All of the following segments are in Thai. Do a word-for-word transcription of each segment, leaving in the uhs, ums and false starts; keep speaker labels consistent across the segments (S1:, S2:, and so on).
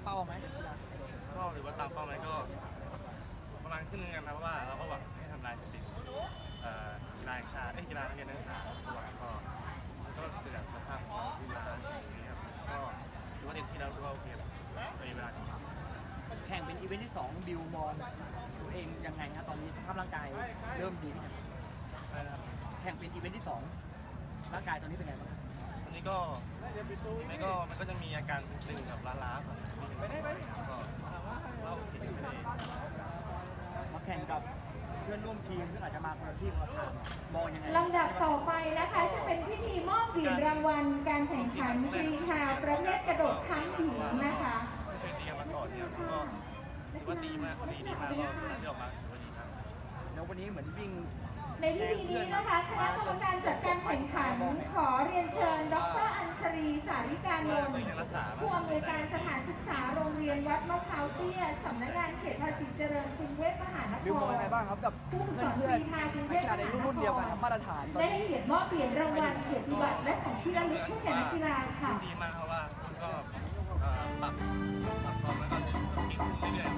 S1: ป้าไหม
S2: ก็หรือว่าตามเป้าไหมก็ประมาณครึ่งนึงกันนะเพราะว่าเราก็หวังให้ทำลายสถิติกีฬาแห่งชาติกีฬานักเรียนนักศึกษาหวังก็มันก็เกิดจากสภาพของกีฬาอย่างนี้ครับก็ถือว่าเต็มที่แล้วถือว่าโอเคในเวลาที่
S1: แข่งเป็นอีเวนต์ที่สองบิวมองตัวเองยังไงฮะตอนนี้สภาพร่างกายเริ่มดีแข่งเป็นอีเวนต์ที่สองร่างกายตอนนี้เป็นไงบ้าง
S2: ตอนนี้ก็มันก็มันก็จะมีอาการตึงกับล้าๆของไม่ได้ไหมก็เราโอเคไม่ได้
S1: มาแข่งกับเพื่อนร่วมทีมซึ่งอาจจะมาคนละที่คนละทางมองยังไง
S3: ลำดับต่อไปนะคะจะเป็นพิธีมอบเหรียญรางวัลการแข่งขันกรีฑาประเภทกระโดดทั้งหญิงนะคะ
S2: ไม่เคยตีกันมาก่อนเนี่ยก็ถือว่าดีมากดีดีมากก็ที่ออกมาถือว่าดีครับ
S1: แล้ววันนี้เหมือนวิ่ง
S3: ในพิธีนี้นะคะคณะกรรมการจัดการแข่งขันขอเรียนเชิญดร.อัญชรีสาริกานนท์ผู้อำนวยการสถานศึกษาโรงเรียนวัดมะพร้าวเตี้ยสำนักงานเขตภาษีเจริญกรุงเทพมหานคร
S1: บิวมองยังไงบ้างครับกับ
S3: ผู้ฝึกสอน
S1: เพื่อน
S3: ๆนักกีฬา
S1: ในรุ่นเดียวกันมาตรฐาน
S3: ได้ให้เกียรติมอบเหรียญรางวัลเกียรติบัตรและของที่ระลึกให้แก่นักกีฬาค่ะ
S2: ดีมากเพราะว่าก็ปรับปรับฟอร์มแล้วก็เก่งขึ้นเรื่อย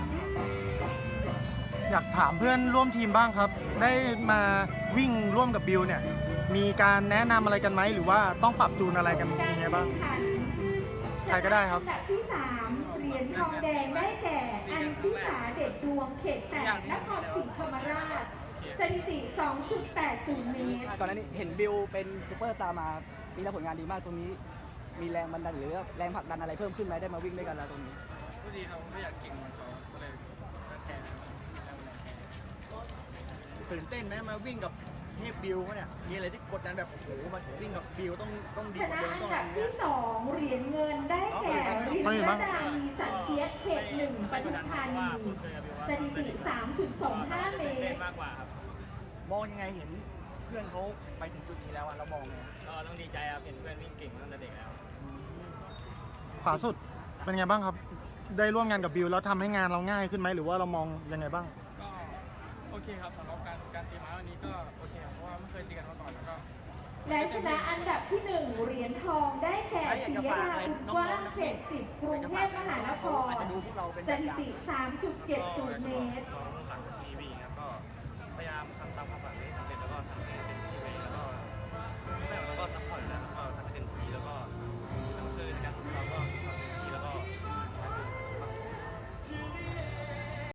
S4: อยากถามเพื่อนร่วมทีมบ้างครับได้มาวิ่งร่วมกับบิวเนี่ยมีการแนะนำอะไรกันไหมหรือว่าต้องปรับจูนอะไรกันยังไงบ้างใครก็ได้ครับ
S3: อันดับที่สามเหรียญทองแดงได้แก่อัญชิสาเด็ดดวงเขตแปดนครศรีธรรมราชสถิติ สองจุดแปดศูนย์ เมตร
S1: ก่อนหน้านี้เห็นบิวเป็นซูเปอร์สตาร์มาปีแล้วผลงานดีมากตรงนี้มีแรงบันดาลหรือแรงผลักดันอะไรเพิ่มขึ้นไหมได้มาวิ่งด้วยกันแล้วตรงนี้
S5: ก็ดีครับไม่อยากเก่งเหมือนเขาก็เลยแข่ง
S1: ตื่นเต้นไหมมาวิ่งกับเทพบิวเขาเนี่ยมีอะไรที่กดดันแบบโอ้โหมาวิ่งกับบิวต้องต้องดี
S3: ช
S1: กว่า
S3: นะ
S1: เดิม
S3: อัน
S1: ต้อง
S3: ดับที่สองเหรียญเงินได้แก่รินรดามีสันเทียเขตหนึ่งปทุมธานีสถิติ สามจุดสองห้า เมตร
S5: มากกว่าครับ
S1: มองยังไงเห็นเพื่อนเขาไปถึงจุดนี้แล้วอะเรามองไง
S5: ก็ต้องดีใจครับเห็นเพื่อนวิ่งเก่งตั้งแต่เด็กแล้ว
S4: ขวาสุดเป็นไงบ้างครับได้ร่วมงานกับบิวแล้วทำให้งานเราง่ายขึ้นไหมหรือว่าเรามองยังไงบ้าง
S5: ก็โอเคครับสำหรับการการตีม้าวันนี้ก็โอเคเพราะว่าไม่เคยตีกันมาก่อนแล้วก็
S3: และชนะอันดับที่หนึ่งเหรียญทองได้แก่ปิยราอุกว้างเขตสิบกรุงเทพมหานครสถิติ สามจุดเจ็ดศูนย์ เมตร
S2: หลังจากทีวีครับก็พยายามทำตามความฝันให้สำเร็จแล้วก็ทำให้เป็น